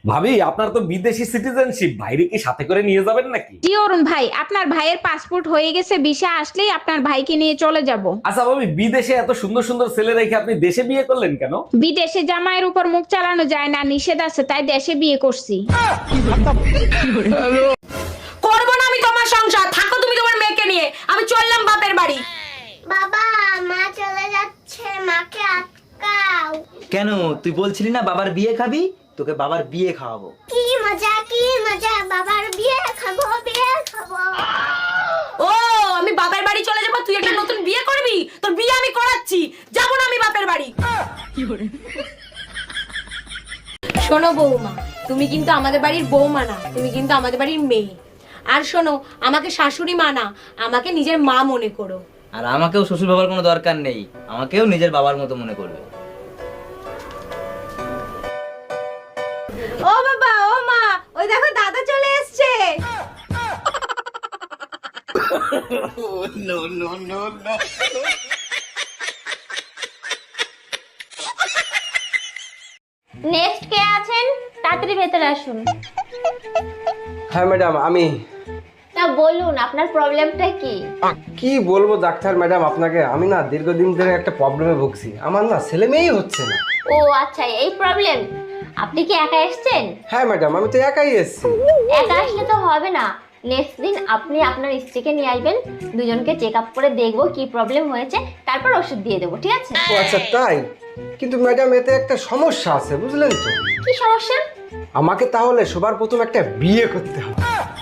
ভাবি, আপনার তো বিদেশি সিটিজেনশিপ, বাইরে কি সাথে করে নিয়ে যাবেন নাকি? জি অরুণ ভাই, আপনার ভাইয়ের পাসপোর্ট হয়ে গেছে, ভিসা আসলেই আপনার ভাইকে নিয়ে চলে যাব। আচ্ছা ভাবি, বিদেশে এত সুন্দর সুন্দর ছেলে রেখে আপনি দেশে বিয়ে করলেন কেন? বিদেশে জামাইয়ের উপর মুখ চালানো যায় না, নিষেধ আছে, তাই দেশে বিয়ে করছি। করবো না আমি তোমার সংসার, থাকো তুমি তোমার মেয়েকে নিয়ে, আমি চললাম বাপের বাড়ি। বাবা, মা চলে যাচ্ছে, মাকে আটকাও। কেন, তুই বলছিলি না বাবার বিয়ে খাবি? তোকে বাবার বিয়ে খাওয়াবো। কি মজা কি মজা, বাবার বিয়ে খাবো, বিয়ে খাবো। ও, আমি বাপের বাড়ি চলে যাবো, তুই একটা নতুন বিয়ে করবি? তোর বিয়ে আমি করাচ্ছি, যাবো না আমি বাপের বাড়ি। শোনো বৌমা, তুমি কিন্তু আমাদের বাড়ির বৌমা না, তুমি কিন্তু আমাদের বাড়ির মেয়ে। আর শোনো, আমাকে শাশুড়ি মা না, আমাকে নিজের মা মনে করো। আর আমাকেও শ্বশুর বাবার কোনো দরকার নেই, আমাকেও নিজের বাবার মতো মনে করবে। ও বাবা, ও মা, ওই দেখো দাদা চলে এসেছে। নেক্সট কে আছেন? তাড়াতাড়ি ভেতরে আসুন। হ্যাঁ ম্যাডাম, আমি। তা বলুন, আপনার প্রবলেমটা কি? কি বলবো ডাক্তার ম্যাডাম আপনাকে, আমি না দীর্ঘদিন ধরে একটা প্রবলেমে ভুগছি। আমার না ছেলে মেয়েই হচ্ছে না। ও আচ্ছা, এই প্রবলেম। আপনি কি একা এসেছেন? হ্যাঁ ম্যাডাম, আমি তো একাই এসেছি। একা আসলে তো হবে না। নেক্সট দিন আপনি আপনার স্ত্রীকে নিয়ে আসবেন, দুজনকে চেক আপ করে দেখবো কি প্রবলেম হয়েছে, তারপর ওষুধ দিয়ে দেবো, ঠিক আছে? ও আচ্ছা তাই? কিন্তু ম্যাডাম এতে একটা সমস্যা আছে, বুঝলেন তো? কি সমস্যা? আমাকে তাহলে সবার প্রথম একটা বিয়ে করতে হবে।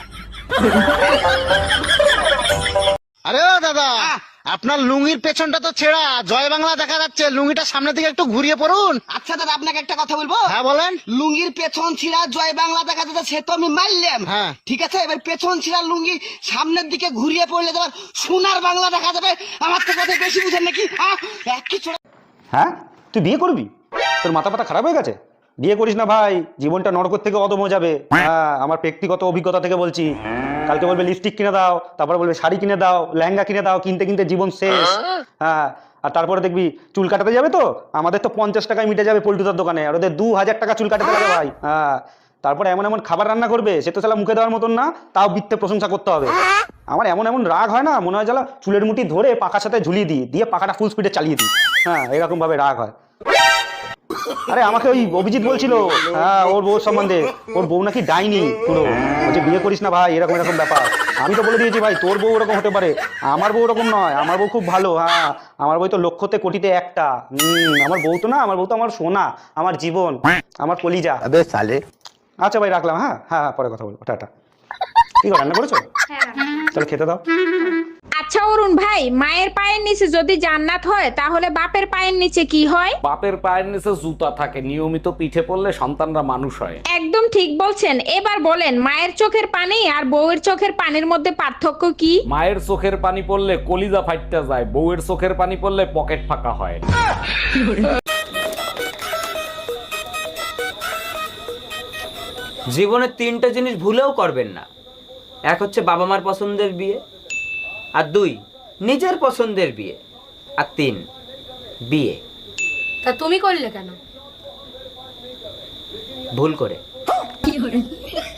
আরে ও দাদা, আপনার লুঙ্গির পেছনটা তো ছেঁড়া, জয় বাংলা দেখা যাচ্ছে, লুঙ্গিটা সামনে থেকে একটু ঘুরিয়ে পড়ুন। আচ্ছা দাদা, আপনাকে একটা কথা বলবো। হ্যাঁ বলেন। লুঙ্গির পেছন ছিঁড়া জয় বাংলা দেখা যাচ্ছে, সে তো আমি মারলাম। হ্যাঁ। ঠিক আছে, এবার পেছন ছিঁড়া লুঙ্গি সামনের দিকে ঘুরিয়ে পড়লে তোমার সোনার বাংলা দেখা যাবে। আমার তো কথা বেশি বুঝেন নাকি? একই ছোড়া। হ্যাঁ, তুই বিয়ে করবি? তোর মাথা পাতা খারাপ হয়ে গেছে? বিয়ে করিস না ভাই, জীবনটা নরকর থেকে অদম হয়ে যাবে। হ্যাঁ, আমার ব্যক্তিগত অভিজ্ঞতা থেকে বলছি। কালকে বলবে লিপস্টিক কিনে দাও, তারপরে বলবে শাড়ি কিনে দাও, লেহেঙ্গা কিনে দাও, কিনতে কিনতে জীবন শেষ। হ্যাঁ, আর তারপরে দেখবি চুল কাটাতে যাবে তো, আমাদের তো 50 টাকায় মিটে যাবে পল্টুদার দোকানে, আর ওদের 2000 টাকা চুল কাটাতে লাগে ভাই। হ্যাঁ, তারপরে এমন এমন খাবার রান্না করবে, সে তো শালা মুখে দেওয়ার মতন না, তাও বৃত্তে প্রশংসা করতে হবে। আমার এমন এমন রাগ হয় না, মনে হয় জ্বালা চুলের মুঠি ধরে পাখার সাথে ঝুলিয়ে দিই, দিয়ে পাখাটা ফুল স্পিডে চালিয়ে দিই। হ্যাঁ, এরকম ভাবে রাগ হয়। আরে আমাকে ওই অভিজিৎ বলছিল, হ্যাঁ, ওর বউ সম্বন্ধে, ওর বউ নাকি ডাইনি পুরো, বলছে বিয়ে করিস না ভাই, এরকম এরকম ব্যাপার। আমি তো বলে দিয়েছি ভাই, তোর বউ ওরকম হতে পারে, আমার বউ ওরকম নয়, আমার বউ খুব ভালো। হ্যাঁ, আমার বউ তো লক্ষতে কোটিতে একটা। আমার বউ তো না, আমার বউ তো আমার সোনা, আমার জীবন, আমার কলিজা। আচ্ছা ভাই, রাখলাম। হ্যাঁ হ্যাঁ, পরে কথা বলবো, টাটা। কি করে, রান্না করেছো? চলো খেতে দাও। আচ্ছা অরুণ ভাই, মায়ের পায়ের নিচে যদি জান্নাত হয়, তাহলে বাপের পায়ের নিচে কি হয়? বাপের পায়ের নিচে জুতা থাকে, নিয়মিত পিঠে পড়লে সন্তানরা মানুষ হয়। একদম ঠিক বলছেন। এবার বলেন, মায়ের চোখের পানি আর বউয়ের চোখের পানির মধ্যে পার্থক্য কি? মায়ের চোখের পানি পড়লে কলিজা ফাইটটা যায়, বউয়ের চোখের পানি পড়লে পকেট ফাঁকা হয়। জীবনে 3টে জিনিস ভুলেও করবেন না। এক হচ্ছে বাবা মার পছন্দের বিয়ে, আর 2 নিজের পছন্দের বিয়ে, আর 3 বিয়ে। তা তুমি করলে কেন? ভুল করে।